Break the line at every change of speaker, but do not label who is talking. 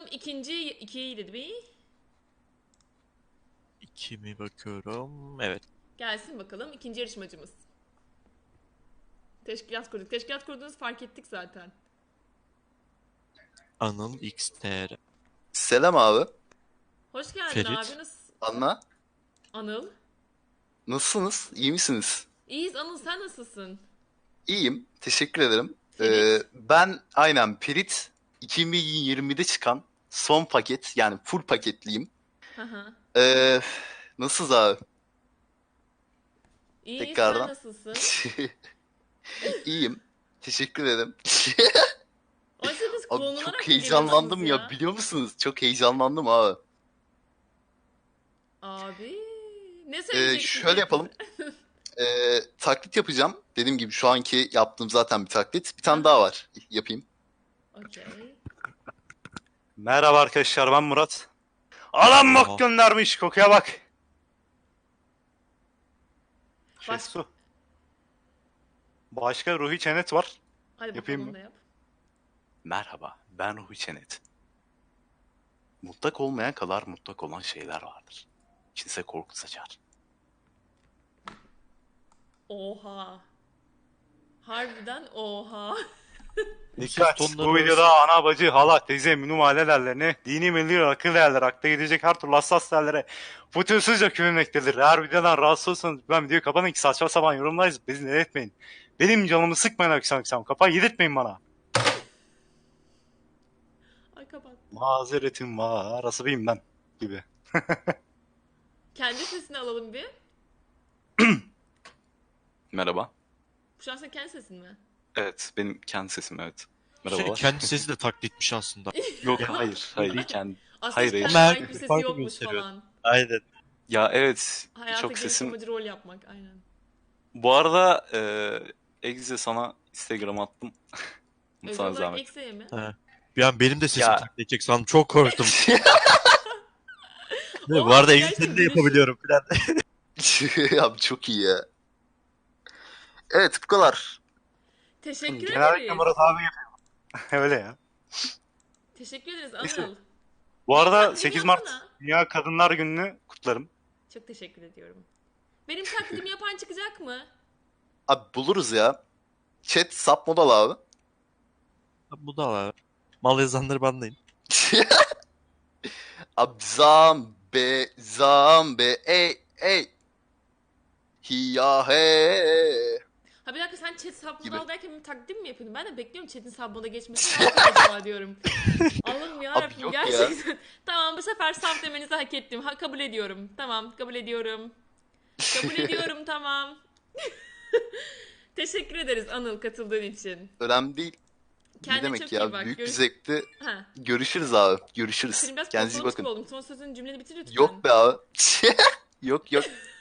ikinci 2'ydi bir.
2 mi bakıyorum? Evet.
Gelsin bakalım ikinci yarışmacımız. Teşkilat kurduk. Teşkilat kurduğunuzu fark ettik zaten.
Anıl XTR.
Selam abi.
Hoş geldin abi.
Ferit.
Nasıl?
Anla.
Anıl.
Nasılsınız? İyi misiniz?
İyiyiz Anıl, sen nasılsın?
İyiyim. Teşekkür ederim.
Ferit.
Ben aynen Perit 2020'de çıkan son paket yani full paketliyim.
Hı hı.
Ee, Nasılsınız abi?
İyi, sen
Tekrardan.
nasılsın?
İyiyim. Teşekkür ederim.
Oysa biz
Abi
klonlanarak
çok
mı geliyorsunuz
heyecanlandım ya
ya?
biliyor musunuz? Çok heyecanlandım abi.
Abi. Ne söyleyeceksin
Şöyle
peki
yapalım.
bize?
Taklit yapacağım. Dediğim gibi şu anki yaptığım zaten bir taklit. Bir
Hı
tane
hı.
daha var. Yapayım.
Okey.
Merhaba arkadaşlar, ben Murat. Adam
Oha.
bok göndermiş, kokuya bak.
Baş...
Su. Başka Ruhi Çenet var.
Hadi
Yapayım
bakalım onu
mı?
da yap.
Merhaba, ben Ruhi Çenet. Mutlak olmayan kadar mutlak olan şeyler vardır. İçinize korku saçar.
Oha. Harbiden oha.
Ne ses
Dikkat!
tonları
Bu
arası-
videoda ana, bacı, hala, teyze, minum ailelerine, dini milli akıl değerler, akla gidecek her türlü hassas değerlere fütursuzca küfürmektedir. Eğer videodan rahatsız olursanız ben videoyu kapatın ki saçma sapan yorumlarız. Bizi ne etmeyin. Benim canımı sıkmayın akşam. Kafayı yedirtmeyin bana.
Ay kapat.
Mazeretim var. Asabiyim ben gibi.
Kendi sesini alalım bir.
Merhaba.
Şu an senin kendi sesin mi?
Evet, benim kendi sesim evet.
Şey,
Merhabalar.
kendi sesi de taklitmiş aslında.
Yok hayır kendi.
Aslında
Hayır,
hiç
hayır.
kendine
Ama
ait bir sesi
farklı
yokmuş
gösteriyor.
falan.
Aynen.
Ya evet,
Hayata
çok sesim.
geliştirmeci rol yapmak aynen.
Bu arada Egze sana Instagram attım.
Özel
Sana
olarak
zahmet.
eksiğe mi?
He. Bir an benim de sesim
Ya.
taklit edecek sandım. Çok korktum. Bu
Oha,
arada
gerçekten
Excel'i de
gülüş-
yapabiliyorum falan.
Ya çok iyi ya. Evet bu kadar.
Teşekkür
Genellikle
ederiz.
Murat abi yapıyor. Öyle ya.
Teşekkür ederiz
Neyse.
Anıl.
Bu arada
Taklidimi
8 Mart
yapsana.
Dünya Kadınlar Günü'nü kutlarım.
Çok teşekkür ediyorum. Benim taklidimi yapan çıkacak mı?
Abi buluruz ya. Chat sap modalı abi.
Bu da var. Mal yazanları banlayın.
Abi zambe ey ey. Hiya he.
Ha bir dakika, sen chat sabmalı
Gibi.
al derken benim taklidim mi yapıyordun? Ben de bekliyorum chat'in sabmalı geçmesini. Ne yapacak acaba diyorum. Allah'ım yarabbim
yok ya.
gerçekten. Tamam, bu sefer saf demenizi hak ettim. Ha, kabul ediyorum. Tamam, kabul ediyorum. Kabul ediyorum, tamam. Teşekkür ederiz Anıl katıldığın için.
Önemli değil. Ne
Kendine
demek
çok
ya?
iyi bak.
Büyük bir zevkti.
Ha.
Görüşürüz abi. Görüşürüz.
Senin biraz
Kendinize iyi
postalamış gibi
bakın.
oldum. Son sözün cümleni bitir lütfen.
Yok be abi. Yok yok.